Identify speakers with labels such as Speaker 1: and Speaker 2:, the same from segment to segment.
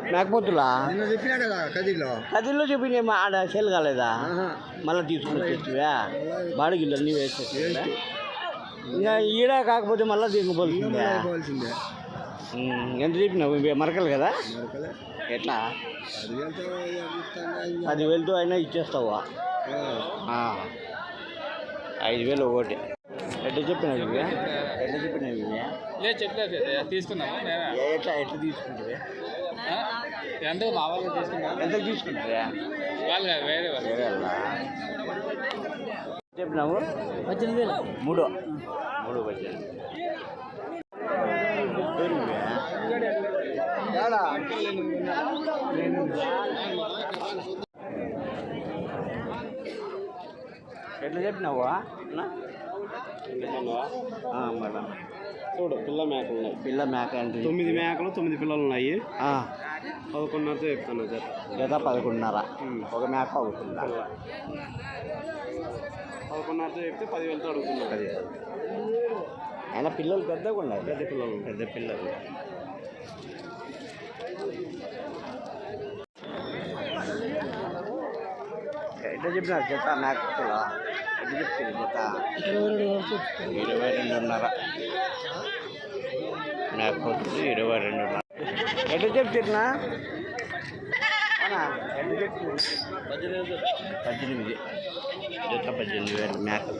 Speaker 1: మేకపోతులా
Speaker 2: చెప్పినా కదా
Speaker 1: కదిలో చెప్పిన ఆడ సేల్ కాలేదా మళ్ళీ తీసుకుని వచ్చేవా బాడిగిళ్ళు అన్నీ వేసేసి ఇంకా ఈడ కాకపోతే మళ్ళీ తీసుకుపోవాల్సిందే. ఎంత చెప్పినావు మరకలు కదా ఎట్లా 10,000తో అయినా ఇచ్చేస్తావా? 5,000 ఒకటి ఎట్లా చెప్పినావు ఇవి
Speaker 3: చెప్పలేదు తీసుకున్నాము
Speaker 1: ఎట్లా తీసుకుంటే
Speaker 3: ఎంత మా వాళ్ళు తీసుకున్నాం
Speaker 1: ఎంత తీసుకుంటారా
Speaker 3: వాళ్ళు వేరే వాళ్ళు
Speaker 1: చెప్పినావు
Speaker 3: 18,000
Speaker 1: 3 18 ఎట్లా చెప్పినావా మళ్ళా
Speaker 2: చూడు పిల్ల మేకలు ఉన్నాయి.
Speaker 1: పిల్ల మేక అంటే
Speaker 2: 9 మేకలు 9 పిల్లలు ఉన్నాయి. 11,500 చెప్తాను
Speaker 1: జత 11,500 ఒక మేక అవుతుందా?
Speaker 2: 11,500 చెప్తే 10,000తో అడుగుతున్నారు.
Speaker 1: అయినా పిల్లలు పెద్దగా ఉన్నాయి.
Speaker 2: పెద్ద పిల్లలు
Speaker 1: ఎట్లా చెప్పినారు జత మేకలు? ఎట్లా చెప్తుంది జత? 22,500 మేకపోతుంది. 22,500 ఎట్లా చెప్తున్నా? ఎట్లా చెప్తుంది? 18 జత 18,000 మేకలు.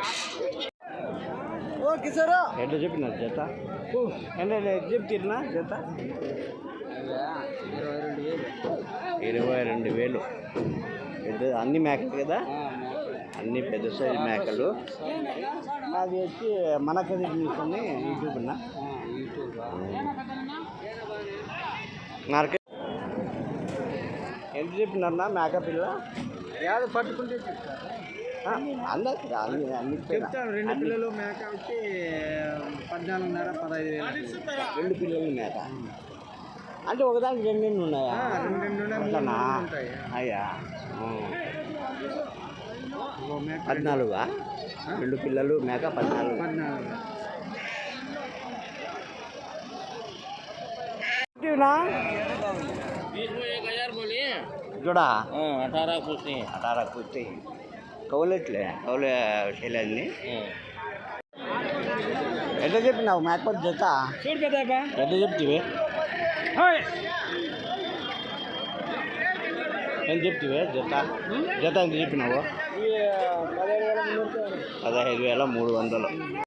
Speaker 1: ఎట్లా చెప్పినారు జత? ఎట్లా చెప్తున్నా జత? 22,000 పెద్ద అన్ని మేకలు కదా, అన్ని పెద్ద సైజు మేకలు. అది వచ్చి మనకది తీసుకొని యూట్యూబ్నా మార్కెట్ ఎంత చెప్పినారన్నా మేక పిల్ల? ఏదో పట్టుకుంటే అందరికి అన్ని
Speaker 2: చెప్తాను. 2 పిల్లలు మేక వచ్చి 14,500 15,000.
Speaker 1: 2 పిల్లలు మేక అంటే ఒకదానికి 2 ఉన్నాయా?
Speaker 2: 2
Speaker 1: అయ్యా 14 2 పిల్లలు మేక 14 जोड़ा 18 पूछते కౌలెట్లే కౌలే శైలాన్ని ఎట్లా చెప్పినావు మేకపోతే జత? ఎట్లా చెప్తివి? ఎంత చెప్తివే జత? జత ఎంత చెప్పినావు? 15,300